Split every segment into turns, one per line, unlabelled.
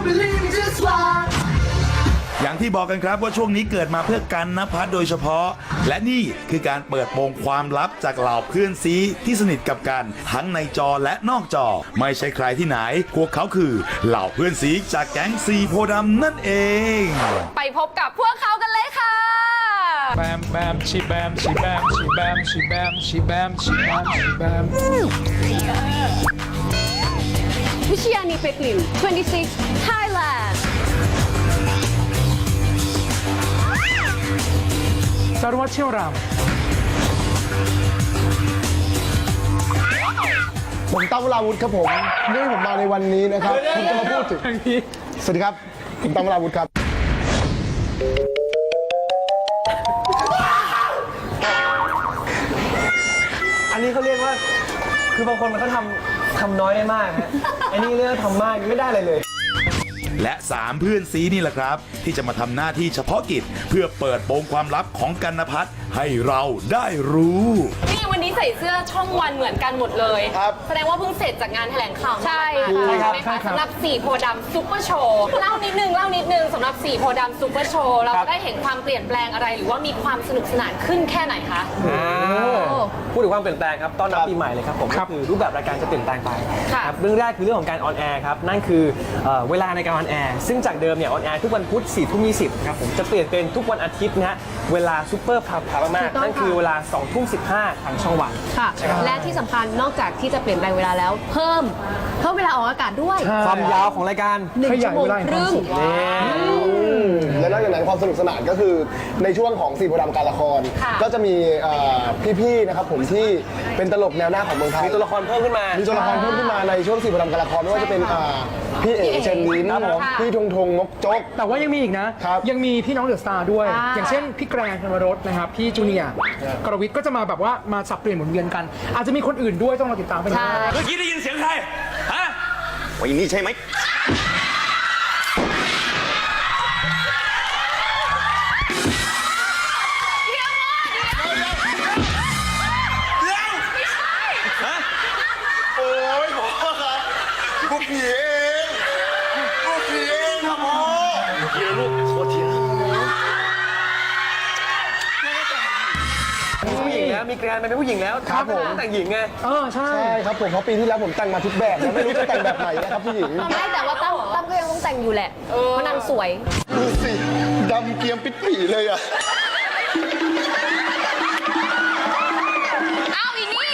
อย่างที่บอกกันครับว่าช่วงนี้เกิดมาเพื่อกันนภัสโดยเฉพาะ และนี่คือการเปิดโปงความลับจากเหล่าเพื่อนซีที่สนิทกับกันทั้งในจอและนอกจอไม่ใช่ใครที่ไหนพวกเขาคือเหล่าเพื่อนซีจากแก๊งซีโพธิ์ดำนั่นเอง
ไปพบกับพวกเขากันเลยค่ะ
แบมแบมชีแบมชีแบมชีแบมชีแบมชีแบมชีแบมชีแบม
วิชยานีเป็กลิน26 Thailand
สารวัตรเชี่ยวรำ
ผมตั้มวราวุธครับผมที่ผมมาในวันนี้นะครับผมจะมาพูดถึงสวัสดีครับผมตั้มวราวุธครับ
อันนี้เขาเรียกว่าคือบางคนมันก็ทำน้อยได้มากฮะอันนี้เรื่องทำมากไม่ได้อะไรเลย
และ3เพื่อนซีนี่แหละครับที่จะมาทำหน้าที่เฉพาะกิจเพื่อเปิดโปงความลับของกันนภัสให้เราได้รู้
นี่วันนี้ใส่เสื้อช่องวันเหมือนกันหมดเลย
ครับ
แสดงว่าเพิ่งเสร็จจากงานแถลงข่าวมา
ใช่
ใช่
ค่ะ
ไหมคะสำหรับสีโพธิ์ดำซุปเปอร์โชว์เล่านิดนึงสำหรับสีโพธิ์ดำซุปเปอร์โชว์เราจะได้เห็นความเปลี่ยนแปลงอะไร หรือว่ามีความสนุกสนานขึ้นแค่ไหนคะ
พูดถึงความเปลี่ยนแปลงครับต้อนรับปีใหม่เลยครับผมก็คือรูปแบบรายการจะเปลี่ยนแปลงไป
ค่ะ
ครับเรื่องแรกคือเรื่องของการออนแอร์ครับนั่นคือเวลาในการออนแอร์ซึ่งจากเดิมเนี่ยออนแอร์ทุกวันพุธ4:20ครับผมจะเปลี่ยนเป็นทุกวันอาทิตย์นะฮะเวลาซูเปอร์พาร์มากๆนั่นคือเวลา20:15ทางช่องวัน
ค่ะ และที่สำคัญนอกจากที่จะเปลี่ยนแปลงเวลาแล้ว เพิ่มเวลาออกอากาศด้วย
ความยาวของรายการ
1 ชั่วโมงครึ่ง
และนอกจากนั้นความสนุกสนานก็คือในช่วงของสีโพธิ์ดำการละคร
ค่ะ
ก็จะมีพี่ๆนะครับผมที่เป็นตลกแนวหน้าของเมืองไทย
มีตัวละครเพิ่มขึ้นมา
มีตัวละครเพิ่มขึ้นมาในช่วงสีโพธิ์ดำการละครไม่ว่าจะเป็นพี่เอ๋เชนลิ้น
ครับผม
พี่ทงทงงกจก
แต่ว่ายังมีอีกนะ
ครับ
ยังมีพี่น้องเดอะสตาร์ด้วย
อ่า
อย่างเช่นพี่แกรนธนวรสนะครับ พี่จูเนียร์กรวิทย์ก็จะมาแบบว่ามาสับเปลี่ยนหมุนเวียนกัน อาจจะมีคนอื่นด้วยต้องรอติดตามไปนะ
ใช่
เมื่อกี้ได้ยินเสียงใคร ฮะ
วันนี้ใช่ไหม
โอ้ยผมครับพวกผีเองพวกผีเองครับพ่อ
ทีละลูกโทษทีนะ
มีผู้หญิงแล้วมีแกรนเป็นผู้หญิงแล้ว
ครับผม
แต่งหญิงไง
ใช่
ใช่ครับผมเพราะปีที่แล้วผมแต่งมาทุกแบบแล้วไม่รู้จะแต่งแบบไหนนะครับพี่หญิง
ไม่แต่ว่าตั้มก็ยังต้องแต่งอยู่แหละ เพราะนางสวย
ดูสิดำเกรียมปิดผีเลยอะ
อ้าวอีนี่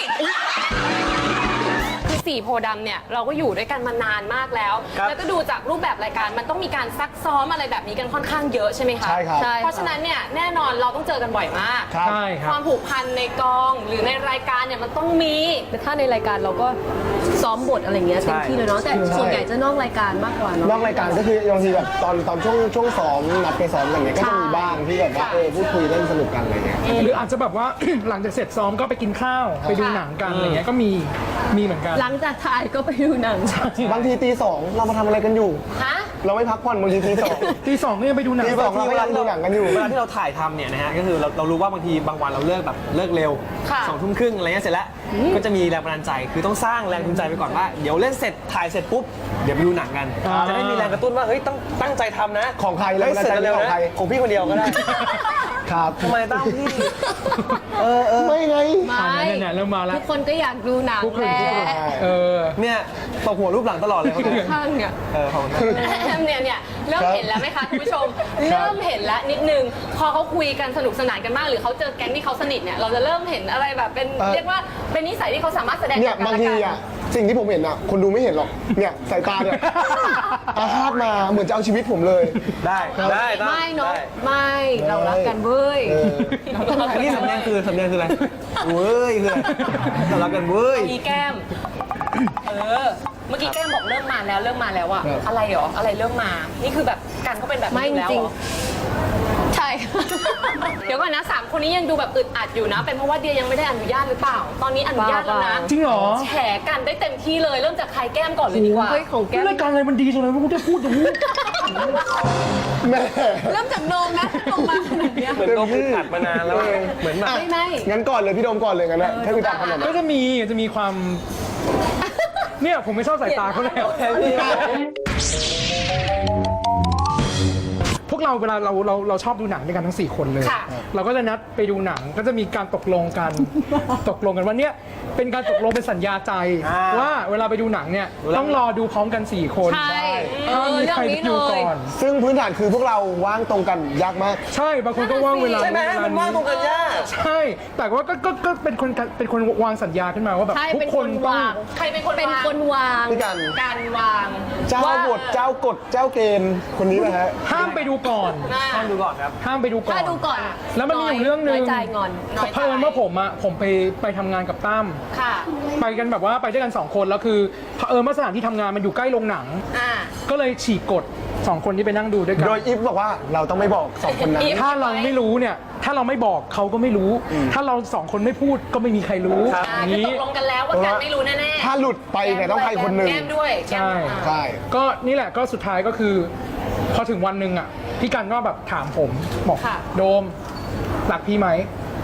คือสีโพธิ์ดำเนี่ยเราก็อยู่ด้วยกันมานานมากแล้ว
ครับ
แล้วก็ดูจากรูปแบบรายการมันต้องมีการซักซ้อมอะไรแบบนี้กันค่อนข้างเยอะใช่ไหมคะ
ใช่ครับ
ใช่
เพราะฉะนั้นเนี่ยแน่นอนเราต้องเจอกันบ่อยมาก
ครับ
ใช่ค
ครับ วามผูกพันในกองหรือในรายการเนี่ยมันต้องมี
แต่ถ้าในรายการเราก็ซ้อมบทอะไรเงี้ยเต็มที่เลยเนาะ แต่ส่วนใหญ่จะนอกรายการมากกว่าเนาะ
นอกรายการก็คือบางทีแบบตอนช่วงซ้อมนัดไปซ้อมอะไรเงี้ยก็จะมีบ้างที่แบบว่าพูดคุยเล่นสนุกกันอะไรเงี้ย
หรืออาจจะแบบว่า หลังจากเสร็จซ้อมก็ไปกินข้าว ไปดูหนังกันอะไรเงี้ยก็มีเหมือนกัน
หลังจากถ่ายก็ไปดูหนัง
บางทีตี 2เรามาทำอะไรกันอยู่
ฮะ
เราไม่พักผ่อนบางทีตี 2
ตีสองก็ยังไปดูหนัง
ตีสอง เราก็ยังดูหนังกันอยู่
เวลาที่เราถ่ายทำเนี่ยนะฮะก็คือเรารู้ว่าบางทีบางวันเราเลิกเร็ว
ค่ะ
20:30อะไรเงี้ยเสร็จแล้วก็จะมีแรงบันดาลใจคือต้องสร้างแรงจูงใจไปก่อนว่าเดี๋ยวเล่นเสร็จถ่ายเสร็จปุ๊บเดี๋ยวไปดูหนังกัน จะได้มีแรงกระตุ้นว่าเฮ้ยต้องตั้งใจทำนะ
ของใครแรงบันดาลใจ
เร็ว
ของ
นะ
ใคร
ของพี่คนเดียวก็ได้
ครับ
ทำไมตั้งพี่
ไม่ไง
ไม่
เนี่ยเริ่มมาแล้ว
ทุกคนก็อยากดูหนัง
ทุกคน
แหละ
เออ
เนี่ยตบหัวรูปหลังตลอดเลยเขาเนี่ย
ข้างเนี่ย
ของ
เนี่ยเริ่มเห็นแล้วไหมคะคุณผู้ชม เริ่มเห็นแล้วนิดนึงพอเขาคุยกันสนุกสนานกันมากหรือเขาเจอแก๊งที่เขาสนิทเนี่ยเราจะเริ่มเห็นอะไรแบบเป็นเรียกว่าเป็นนิสัยที่เขาสามารถแสดง
เนี่ย
กั
บาง
และ
ที
กัน
อ่ะสิ่งที่ผมเห็นอ่ะคนดูไม่เห็นหรอกเนี่ยสายตาเนี่ย อาฆาตมาเหมือนจะเอาชีวิตผมเลย
ได้ตั้ง
ไม่เนาะ
ได้
ไม่เรารักกันเว้ย
อันนี้สำเนียงคืออะไรเว้ยคืออะไรเรารักกันเว้ย
มีแก้มเมื่อกี้แก้มบอกเริ่มมาแล้วอะอะไรหรออะไรเริ่มมานี่คือแบบกันเขาเป็นแบบ
ไม่
นี้อยู่แล้ว
จริ
เห
ง
รอ
ใช่
เดี๋ยวก่อนนะ3คนนี้ยังดูแบบอึดอัดอยู่นะ เป็นเพราะว่าเดียยังไม่ได้อนุญาตหรือเปล่า ตอนนี้อนุญาตแล้วนะ
จริงเหรอ
แฉกันได้เต็มที่เลยเริ่มจากใครแก้มก่อนเลยดีกว่า
เฮ้ยของแก้ม
รายการอะไรมันดีจังเลยไม่รู้จะพูดอย่างนี้
แม่
เริ่มจากโนมนะโนมมาขนาดเนี้ย
เหมือนเราอัดมานานแล้วเหมือนแบบ
ไม่
งั้นก่อนเลยพี่โดมก่อนเลยงั้นนะถ้าพี่ตามขนาดนั้
ก็
น
จะมีความ เนี่ยผมไม่ชอบสายตาเขาแล้วเราเวลาเราชอบดูหนังด้วยกันทั้ง4คนเลย
ค่ะ
เราก็จะนัดไปดูหนังก็จะมีการตกลงกัน ตกลงกันว่าเนี่ยเป็นการตกลงเป็นสัญญาใจ ว่าเวลาไปดูหนังเนี่ยต้องรอดูพร้อมกัน4คน
ใช่
มี
เรื่อ
ใครง
นี้
ดู
เล
ก่
ย
อน
ซึ่งพื้นฐานคือพวกเราว่างตรงกันยากมาก
ใช่บางคนก็ว่างเวลา
ใช่ไหมมันว่างตรงกันยาก
ใช่แต่ว่าก็เป็นคนวางสัญญาขึ้นมาว่าแบบ
ใช่
ทุก
เป็น
ค
คน น
ต้อง
วาง
ใครเป็นคน
เป็น
วาง
คนวาง
พี่กัน
การวาง
เจ้าบทเจ้ากฎเจ้าเกณฑ์คนนี้นะฮะ
ห้ามไปดูก่อน
ห้ามดูก่อนครับ
ห้ามไปดูก่อน
ถ้าดูก่อน
แล้วมันมีอยู่เรื่องหนึ่ง
น้อยใจงอน
เผอิญว่าผมไปทำงานกับตั้ม
ค่ะ
ไปกันแบบว่าไปด้วยกัน2คนแล้วคือเผอิญว่าสถานที่ทำงานมันอยู่ใกล้โรงหนัง
อ่า
ก็เลยฉีกกฎ2คนที่ไปนั่งดูด้วยกัน
โดยอีฟบอกว่าเราต้องไม่บอก2คนนั้น
อีฟ
ถ้าเราไม่รู้เนี่ยถ้าเราไม่บอกเขาก็ไม่รู้ ถ้าเรา2คนไม่พูดก็ไม่มีใครรู้
อ่า
อย่าง
คือ
นี้
ตกลงกันแล้วว่าการไม่รู้แน่ๆ
ถ้าหลุดไปเนี่ยต้องใครคนหนึ่ง
แก้มด้วยแก้ม
ใช่
อ่า
ใช่
ก็นี่แหละก็สุดท้ายก็คือ พอถึงวันหนึ่งอ่ะพี่กันก็แบบถามผมบอก
ค่ะ
โดมรักพี่ไหม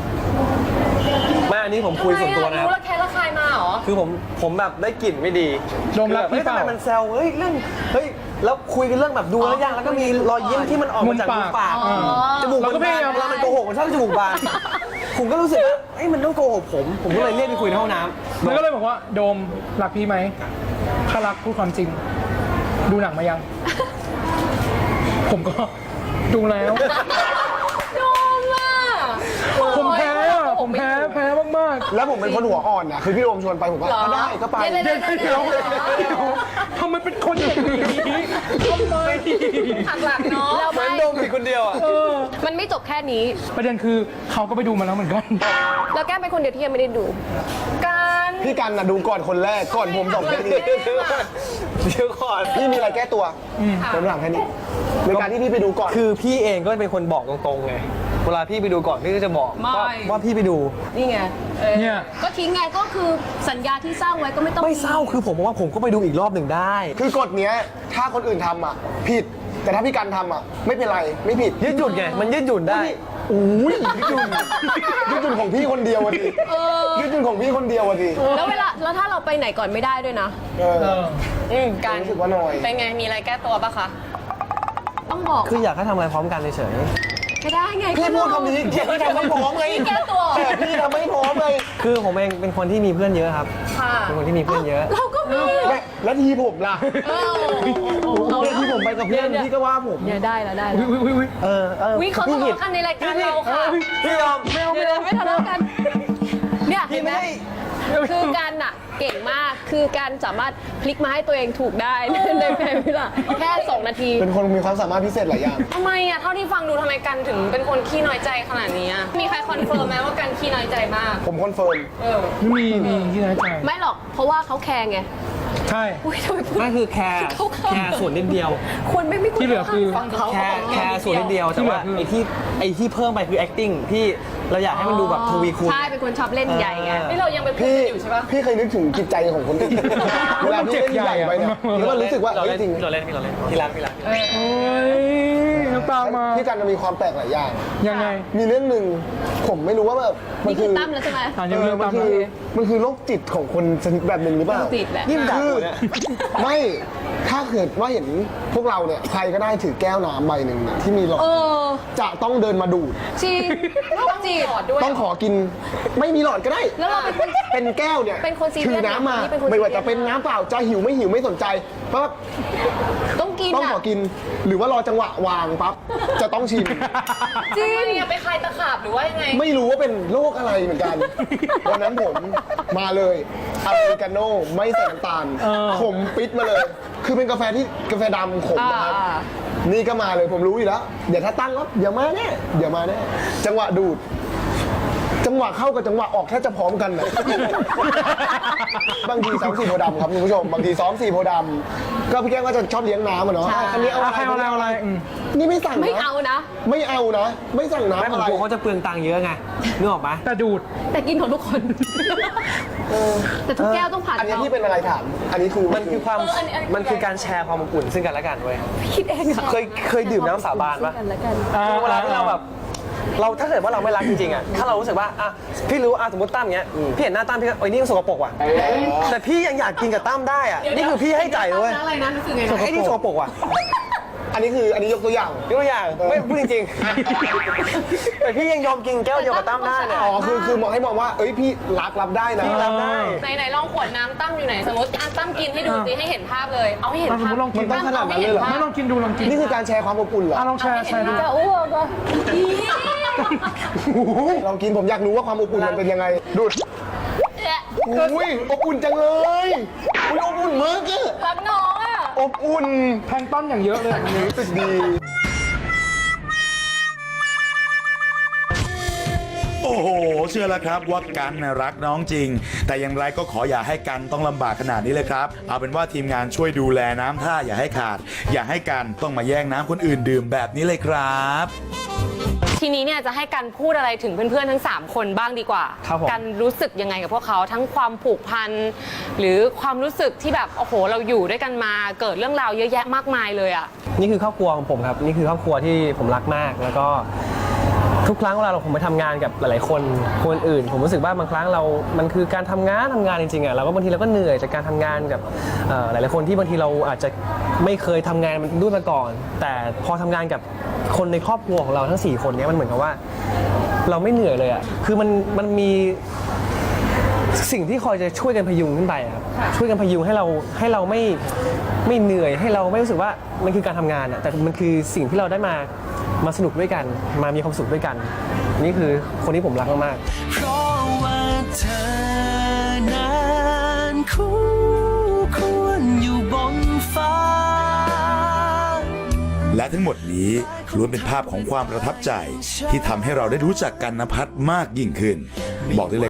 ไม่อันนี้ผมคุยส่วนตัวนะค
รู้
รับ
แล้วแค่ละคายมาเหรอ
คือผมแบบได้กลิ่นไม่ดี
โดมรักพี่
คือแบบ
เปล่า
ทำไมมันแซวเฮ้ยเรื่องเฮ้ยแล้วคุยกันเรื่องแบบดูแล้วยังแล้วก็มีรอยยิ้มที่มันออกมาจาก
มุ
มุ
ม
ม
ปา
ปาก ก
อ๋อ
จมูก
เราก็
มัน
พ
บาย
าน ยาม
เวลามันโกหกมันชอบจมูกบานผมก็รู้สึกว่าเฮ้ยมันต้องโกหกผมก็เลยเรียกไปคุยในห้องน้ำ
แล้วก็เลยบอกว่าโดมรักพี่ไหมถ้ารักพูดความจริง ดูหนังมายัง ผมก็ดูแล้ว
โดมอ่ะ
ผมแพ้อะผมแพ้มาก
แล้วผมเป็นคนหัวอ่อนนะคือพี่โอมชวนไปผมว่าได้ก็ไป
เดี๋ยว
ๆเดี๋ยวทำไมเป็นคนอย่างนี้ทำไม
หักหลักเนาะ
แล้ว
เหมือน
ไม่
โดมผิดคนเดียวอ่ะ
มันไม่จบแค่นี้
ประเด็นคือเขาก็ไปดูมาแล้วเหมือนกัน
แล้วแก้มเป็นคนเดียวที่ยังไม่ได้ดู
การ
พี่กันนะดูก่อนคนแรกก่อนผม2 นาที
เดี๋ยวก่อน
พี่มีอะไรแก้ตัวผมถามแค่นี้ในการที่พี่ไปดูก่อน
คือพี่เองก็เป็นคนบอกตรงๆไงเวลาพี่ไปดูก่อนพี่ก็จะบอกว่าพี่ไปดู
นี่ไง
เนี่ย
ก็ทิ้งไงก็คือสัญญาที่สร้างไว้ก็ไม่ต้อง
ไม่เศร้าคือผมบอกว่าผมก็ไปดูอีกรอบหนึ่งได้
คือกฎเนี้ยถ้าคนอื่นทำอ่ะผิด แต่ถ้าพี่กันทำอ่ะไม่เป็นไรไม่ผิด
ยืดหยุ่นไงมันยืดหยุ่นได้
อุ้ยยืดหยุ่นของพี่คนเดียวอะดิยืดหยุ่นของพี่คนเดียวอะดิ
แล้วถ้าเราไปไหนก่อนไม่ได้ด้วยนะ
เออ
การ
รู้สึกว่าน้อย
เป็นไงมีอะไรแก้ตัวปะคะ
ต้องบอก
คืออยากให้ทำอะไรพร้อมกันเฉย
ไม่ได้ไง
พี่พูดคำนี้พี่ทำไม่พร้อมไง
แก้ตัว
แต่พี่ทำไม่พร้อมเลย
ๆคือผมเองเป็นคนที่มีเพื่อนเยอะครับ
ค่ะ
เป็นคนที่มีเพื่อนเยอะ
เราก็มี
แล้วทีผมล่ะแล้วทีผมไปกับเพื่อนพี่ก็ว่าผม
เนี่ยได้แล้วได้แล้ว
อุ๊ย
วิเขาทะเลาะกันในรายการเราค่ะ
พี่ยอม
เดี๋ยวไม่ทะเลาะกัน เนี่ยเห็
พี่
นไหม
ไม่ได้
คือการน่ะเก่งมาก คือการสามารถพลิกมาให้ตัวเองถูกได้ ในแพ้เวลาแค่2 นาที
เป็นคนมีความสามารถพิเศษหลายอย่าง
ทำไมอ่ะเท่าที่ฟังดูทำไมกันถึงเป็นคนขี้น้อยใจขนาดนี้อะมีใครคอนเฟิร์มไหมว่ากันขี้น้อยใจมาก
ผมคอนเฟิร์ม
มีที่ไหนใจ
ไม่หรอก เพราะว่าเขาแคร์ไง
ใช่
อุ้ยทำไมพูด
ไม่คือแคร์ส่วนนิดเดียว
คนไม่ควร
ที่เหลือคือ
ฟังเขา
แคร์ส่วนนิดเดียวแต่ว่า
ที่เหลือคือ
ไอ้ที่เพิ่มไปคือ acting ที่เราอยากให้มันดูแบบทวีคูณ
ใช่ เป็นคนชอบเล่นใหญ่ไง
นี่เรายังไปพูด
พี่
กันอยู่ใช่ปะ
พี่เคยนึกถึงจิตใจของคนอื่นเวลาพี่เล่นใหญ่ไปเนี่ยแล้วก็รู้สึกว่า
เรา
เฮ้ย
เล่น
จริง
เราเล่นพี่รัก
โอ้ยน้ำตามา
พี่กันมีความแปลกหลายอย่าง
ยังไง
มีเรื่องหนึ่งผมไม่รู้ว่าแบบมั
นี่คือตั้มแล้วใช่ไหม
อ่านยังเรื่อง
มั
ตาม
คื
มา
อมันคือโรคจิตของคนชนิดแบบหนึ่งหรือเปล่า
ติดแหละ
นี่มันด่า
คือ
กูเนี่ย
ไม่ถ้าเกิดว่าเห็นพวกเราเนี่ยใครก็ได้ถือแก้วน้ำใบหนึ่งเนี่ยที่มีหลอด
เออ
จะต้องเดินมาดูด
จริงโรคจิต
ต้องขอกินไม่มีหลอดก็ได้
แล้วเราเป็น
เป็นแก้วเนี่ย
เป็นคนซีเรียส
ถือน้ำมา
นี่เป็นคนซีเรียส
ไม่ว่าจะเป็นน้ำเปล่าจะหิวไม่หิวไม่สนใจปั๊บ
ต้องกิน
ต้อง
อ่ะ
ขอกิน หรือว่ารอจังหวะวางปั๊บจะต้องชิม
จริงเนี่ยไปคลายตะขาบหรือว่ายังไง
ไม่รู้ว่าเป็นโรคอะไรเหมือนกัน วันนั้นผมมาเลยอเมริกาโน่ไม่ใส่น้ำตาลขมปิดมาเลย คือเป็นกาแฟที่กาแฟดำขมนะครับ นี่ก็มาเลยผมรู้อยู่แล้ว เดี๋ยวถ้าตั้งแล้วเดี๋ยวมาแน่เดี๋ยวมาแน่จังหวะดูด จังหวะเข้ากับจังหวะออกแทบจะพร้อมกันนะ บางทีซ้อม4โพธิ์ดำครับคุณผู้ชมบางทีซ้อม4โพธิ์ดำก็พี่แก้วก็จะชอบเลี้ยงน้ำอะเนาะอันนี้เอา
อ่ะ
อะไร
ใครเอาอะไรอืม
นี่ไม่สั่ง
ไม่
นะ
เอานะ
ไม่เอานะ ไม่สั่ง
ไม่
น้ำ
ผม
อะไร
กลัวเขาจะเปลืองตังค์เยอะไงนึกออกไหม
แต่ดูด
แต่กินของทุกคน แต่ทุกแก้วต้องผ่าน
อันนี้
เขา
ที่เป็นอะไรถาม อันนี้คือ
มันคือความมันคือการแชร์ความอบอุ่นซึ่งกันและกันเว้ย
คิดเองอะ
เคยดื่มน้ำสาบานปะ
กันแล้วกัน
คือเวลาที่เราแบบเราถ้าเกิดว่าเราไม่รักจริงๆอ่ะถ้าเรารู้สึกว่าอ่ะพี่รู้อ่ะสมมติตั้มเงี้ยพี่เห็นหน้าตั้มพี่ก็โอ้ยนี่มันสกปรกว่ะแต่พี่ยังอยากกินกับตั้มได้อ่ะนี่คือพี่ให้ใจเลย
อะไรนะรู้สึกไง
ไอ้นี่สกปรกว่ะ
อันนี้ยกตัวอย่าง
ยกตัวอย่างไม่พูดจริงๆ แต่พี่ยังยอมกินแก้วเดียวกับตั้มได้เนี่ย
อ๋อคือมองให้มองว่าเอ้ยพี่รับได้นะ
พี่รับได้
ไหนๆลองขวดน้ำตั้มอยู่ไหนสมมติตั้มกินให้ดูสิให้เห็นภาพเลย เอาให้เห็น
สม
ภาม พ
ติลองกิน
มันต้องขนาดนั้นเลยเหรอ
ไม่ลองกินดูลองกิน
นี่คือการแชร์ความอบอุ่นเหรอ
ลองแชร์ดู
จะอ้วกอ่ะ
ลองกินผมอยากรู้ว่าความอบอุ่นมันเป็นยังไง ดูดอุ้ยอบอุ่นจังเลยอุ้ยอบอุ่นมากอะ
รักน้องอ่ะ
อบอุ่น
แพลงก์ต้นอย่างเยอะเลยอันนี้
รู้สึกดี
โอ้โห เชื่อแล้วครับว่ากันน่ะรักน้องจริง แต่อย่างไรก็ขออย่าให้กันต้องลำบากขนาดนี้เลยครับ เอาเป็นว่าทีมงานช่วยดูแลน้ำท่าอย่าให้ขาด อย่าให้กันต้องมาแย่งน้ำคนอื่นดื่มแบบนี้เลยครับ
ทีนี้เนี่ยจะให้กันพูดอะไรถึงเพื่อนๆทั้ง 3 คนบ้างดีกว่า
ครับผม
กันรู้สึกยังไงกับพวกเขาทั้งความผูกพันหรือความรู้สึกที่แบบโอ้โหเราอยู่ด้วยกันมาเกิดเรื่องราวเยอะแยะมากมายเลยอ่ะ
นี่คือครอบครัวของผมครับ นี่คือครอบครัวที่ผมรักมาก แล้วก็ทุกครั้งเวลาผมไปทำงานกับหลายๆคนอื่น ผมรู้สึกว่าบางครั้งมันคือการทำงานจริงๆอ่ะเราก็บางทีเราก็เหนื่อยจากการทำงานกับหลายๆคนที่บางทีเราอาจจะไม่เคยทำงานด้วยมาก่อน แต่พอทำงานกับคนในครอบครัวของเราทั้ง4คนเนี้มันเหมือนกับว่า เราไม่เหนื่อยเลยอ่ะคือมันมีสิ่งที่คอยจะช่วยกันพยุงขึ้นไปอะครับช่วยกันพยุงให้เราไม่เหนื่อยให้เราไม่รู้สึกว่ามันคือการทำงานอ่ะแต่มันคือสิ่งที่เราได้มาสนุกด้วยกันมามีความสุขด้วยกัน นี่คือคนที่ผมรักมากๆ
เพราะว่าเธอนั้นคู่ควรอยู่บนฟ้า
และทั้งหมดนี้ล้วนเป็นภาพของความประทับใจที่ทำให้เราได้รู้จักกันนภัสมากยิ่งขึ้น บอกได้เลย